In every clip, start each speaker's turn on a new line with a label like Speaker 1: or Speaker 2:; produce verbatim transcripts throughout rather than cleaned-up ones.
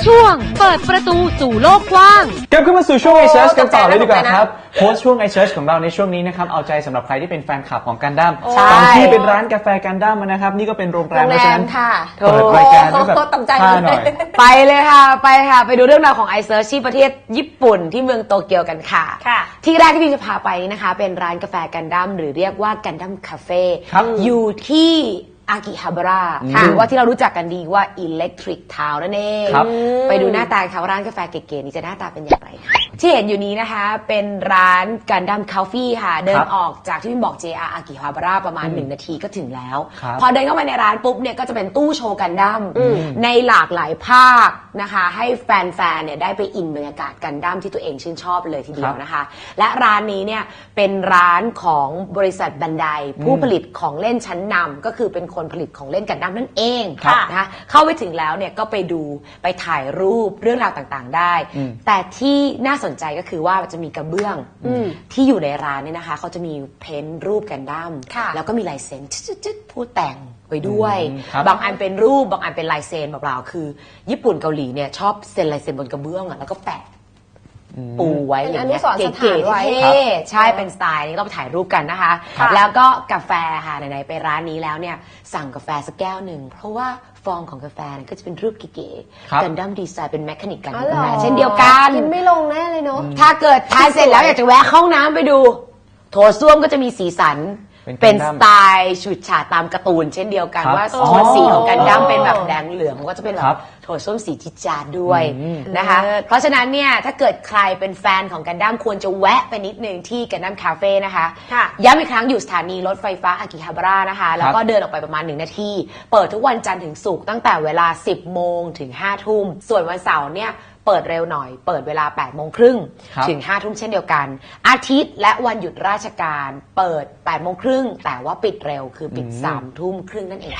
Speaker 1: ช่วงเปิดประตูสู่โลกกว้าง
Speaker 2: กลับเข้ามาสู่ช่วง ไอ เซิร์ช กันต่อเลยดีกว่าครับโพสต์ช่วง ไอ เซิร์ช ของเราในช่วงนี้นะครับเอาใจสำหรับใครที่เป็นแฟนคลับของกันดั้มบางที่เป็นร้านกาแฟกันดั้มนะครับนี่ก็เป็นโรงแรมเพราะฉะนั้นเปิดรายการด้วยแบบท่าหน่อย
Speaker 3: ไปเลยค่ะไปค่ะไปดูเรื่องราวของ ไอ เซิร์ช ที่ประเทศญี่ปุ่นที่เมืองโตเกียวกันค่ะที่แรกที่พี่จะพาไปนะคะเป็นร้านกาแฟกันดั้มหรือเรียกว่ากันดั้มคาเฟ่อยู่ที่อากิฮาบาระหรือว่าที่เรารู้จักกันดีว่า Electric Town นั่นเองไปดูหน้าตาค่ะว่าร้านกาแฟเก๋ๆนี้จะหน้าตาเป็นอย่างไรค่ะที่เห็นอยู่นี้นะคะเป็นร้านกันดั้มคาเฟ่ค่ะเดินออกจากที่พี่บอก เจ อาร์ อากิฮาบาระประมาณหนึ่งนาทีก็ถึงแล้วพอเดินเข้ามาในร้านปุ๊บเนี่ยก็จะเป็นตู้โชว์กันดั้มในหลากหลายภาคนะคะให้แฟนๆเนี่ยได้ไปอินบรรยากาศกันดั้มที่ตัวเองชื่นชอบเลยทีเดียวนะคะและร้านนี้เนี่ยเป็นร้านของบริษัทบันไดผู้ผลิตของเล่นชั้นนำก็คือเป็นคนผลิตของเล่นกันดั้มนั่นเองนะคะเข้าไปถึงแล้วเนี่ยก็ไปดูไปถ่ายรูปเรื่องราวต่างๆได้แต่ที่น่าสนใจก็คือว่าจะมีกระเบื้องที่อยู่ในร้านเนี่ยนะคะเขาจะมีเพ้นท์รูปกันดั้มแล้วก็มีลายเซ็นจึ๊ดๆผู้แต่งไปด้วยบางอันเป็นรูปบางอันเป็นลายเซ็นเปล่าๆคือญี่ปุ่นเกาหลีเนี่ยชอบเซ็นลายเซ็นบนกระเบื้องแล้วก็แปะปูไว้อย่างเงี้ยเก๋ๆเท่ใช่เป็นสไตล์นี้เราไปถ่ายรูปกันนะคะแล้วก็กาแฟค่ะไหนๆไปร้านนี้แล้วเนี่ยสั่งกาแฟสักแก้วหนึ่งเพราะว่าฟองของกาแฟก็จะเป็นรูปเก๋ๆกันดั้มดีไซน์เป็นแมคานิกกันกาแฟเช่นเดียวกัน
Speaker 4: กินไม่ลงแน่เลยเนาะ
Speaker 3: ถ้าเกิดทานเสร็จแล้วอยากจะแวะห้องน้ำไปดูโถส้วมก็จะมีสีสันเป็นสไตล์ฉูดฉาดตามการ์ตูนเช่นเดียวกันว่าโทนสีของกันดั้มเป็นแบบแดงเหลืองก็จะเป็นแบบโทนส้มสีจิจาดด้วยนะคะเพราะฉะนั้นเนี่ยถ้าเกิดใครเป็นแฟนของกันดั้มควรจะแวะไปนิดนึงที่กันดั้มคาเฟ่นะคะย้ำอีกครั้งอยู่สถานีรถไฟฟ้าอากิฮาบาระนะคะแล้วก็เดินออกไปประมาณหนึ่งนาทีเปิดทุกวันจันทร์ถึงศุกร์ตั้งแต่เวลาสิบโมงถึงห้าทุ่มส่วนวันเสาร์เนี่ยเปิดเร็วหน่อยเปิดเวลาแปดโมงครึ่งถึงห้าทุ่มเช่นเดียวกันอาทิตย์และวันหยุดราชการเปิดแปดโมงครึ่งแต่ว่าปิดเร็วคือปิดสามทุ่มครึ่งนั่นเอง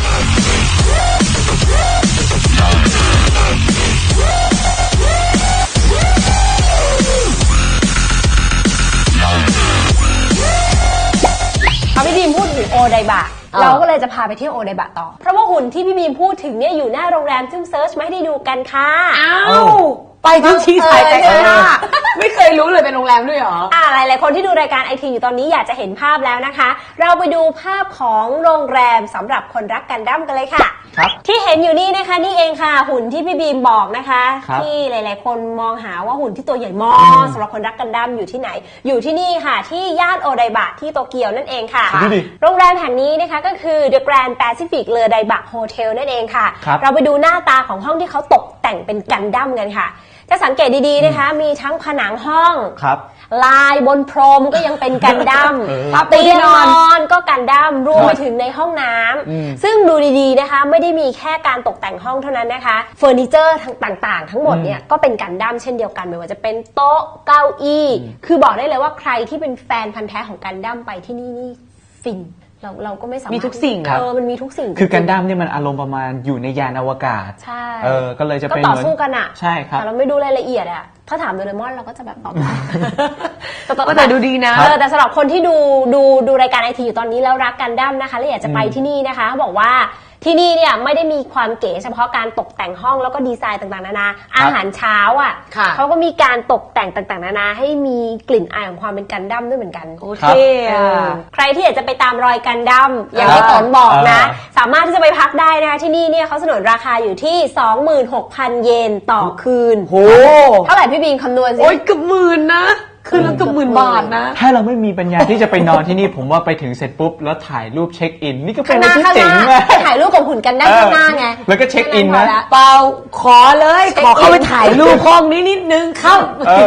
Speaker 4: พอพี่บีมพูดถึงโอไดบะเราก็เลยจะพาไปเที่ยวโอไดบะต่อเพราะว่าหุ่นที่พี่บีมพูดถึงเนี่ยอยู่หน้าโรงแรมซึ่งเซิร์ชมาให้ได้ดูกันค่ะ
Speaker 3: อ้าวไปทุกที่ถ่ายแต่ข้างหน้าไม่เคยรู้เลยเป็นโรงแรมด้วยเหรอ
Speaker 4: อ่าหลายๆคนที่ดูรายการไอทีอยู่ตอนนี้อยากจะเห็นภาพแล้วนะคะเราไปดูภาพของโรงแรมสำหรับคนรักกันดั้มกันเลยค่ะที่เห็นอยู่นี่นะคะนี่เองค่ะหุ่นที่พี่บีมบอกนะคะที่หลายๆคนมองหาว่าหุ่นที่ตัวใหญ่มากสำหรับคนรักกันดั้มอยู่ที่ไหนอยู่ที่นี่ค่ะที่ย่านโอไดบะที่โตเกียวนั่นเองค่ะโรงแรมแห่งนี้นะคะก็คือ The Grand Pacific เลอไดบะโฮเทลนั่นเองค่ะเราไปดูหน้าตาของห้องที่เขาตกแต่งเป็นกันดั้มกันค่ะถ้าสังเกตดีๆนะคะมีทั้งผนังห้องลายบนพรมก็ยังเป็นกันดั้มเตียงนอนก็กันดั้มรวมไปถึงในห้องน้ำซึ่งดูดีๆนะคะไม่ได้มีแค่การตกแต่งห้องเท่านั้นนะคะเฟอร์นิเจอร์ต่างๆทั้งหมดเนี่ยก็เป็นกันดั้มเช่นเดียวกันไม่ว่าจะเป็นโต๊ะเก้าอี้คือบอกได้เลยว่าใครที่เป็นแฟนพันธุ์แท้ของกันดั้มไปที่นี่นี่ฟินเราเราก็ไม่สามารถ
Speaker 3: มีทุกสิ่ง
Speaker 4: เออมันมีทุกสิ่ง
Speaker 2: คือกันดั้มเนี่ยมันอารมณ์ประมาณอยู่ในยานอวกาศ
Speaker 4: ใช่
Speaker 2: เออก็เลยจะเป็น
Speaker 4: ก็ต่อสู้กันอ่ะ
Speaker 2: ใช่ครับ
Speaker 4: แต่เราไม่ดูรายละเอียดอ่ะถ้าถามโดเรมอนเราก็จะแบบตอบ
Speaker 3: ก็แต่ดูดีนะ
Speaker 4: เออแต่สำหรับคนที่ดูดูดูรายการไอทีอยู่ตอนนี้แล้วรักกันดั้มนะคะและอยากจะไปที่นี่นะคะบอกว่าที่นี่เนี่ยไม่ได้มีความเก๋เฉพาะการตกแต่งห้องแล้วก็ดีไซน์ต่างๆนานาอาหารเช้าอ่ะเขาก็มีการตกแต่งต่างๆนานาให้มีกลิ่นอายของความเป็นกันดั้มด้วยเหมือนกัน
Speaker 3: โอเค
Speaker 4: ใครที่อยากจะไปตามรอยกันดั้มอย่างที่ต๋นบอกนะสามารถที่จะไปพักได้นะคะที่นี่เนี่ยเขาสนนราคาอยู่ที่ สองหมื่นหกพัน เยนต่อคืน
Speaker 3: โห
Speaker 4: เท่าไหร่พี่บิงคำนวณสิ
Speaker 3: โอ้ยเกือบหมื่นนะคืนละเกือบหมื่นบาทนะ
Speaker 2: ถ้าเราไม่มีปัญญาที่จะไปนอนที่นี่ผมว่าไปถึงเสร็จปุ๊บแล้วถ่ายรูปเช็คอินนี่ก็เป็นอะไรที่เจ๋งมาก
Speaker 4: ไปถ่ายรูปกับหุ่นกันได้ข้างหน้าไง
Speaker 2: แล้วก็เช็คอินนะ
Speaker 3: เปล่าขอเลยขอเข้าไปถ่ายรูปห้องนี้นิดนึงเข้า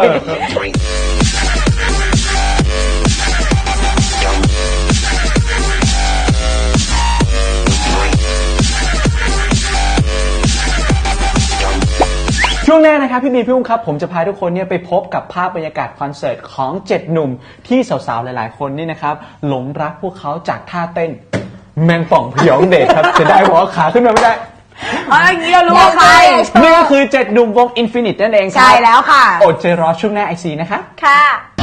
Speaker 2: ช่วงหน้านะครับพี่บีพี่อุ้งครับผมจะพาทุกคนเนี่ยไปพบกับภาพบรรยากาศคอนเสิร์ตของเจ็ดหนุ่มที่สาวๆหลายๆคนนี่นะครับหลงรักพวกเขาจากท่าเต้นแมงป่องพยองเดชครับจะได้หัวขาขึ้นมาไม่ได้
Speaker 3: อ๋อเกี่ยวรู้ใคร
Speaker 2: นี่ก็คือเจ็ดหนุ่มวง Infinite นั่นเองครับ
Speaker 3: ใช่แล้วค่ะ
Speaker 2: อดใจรอช่วงหน้าไอซีนะคะ
Speaker 4: ค่ะ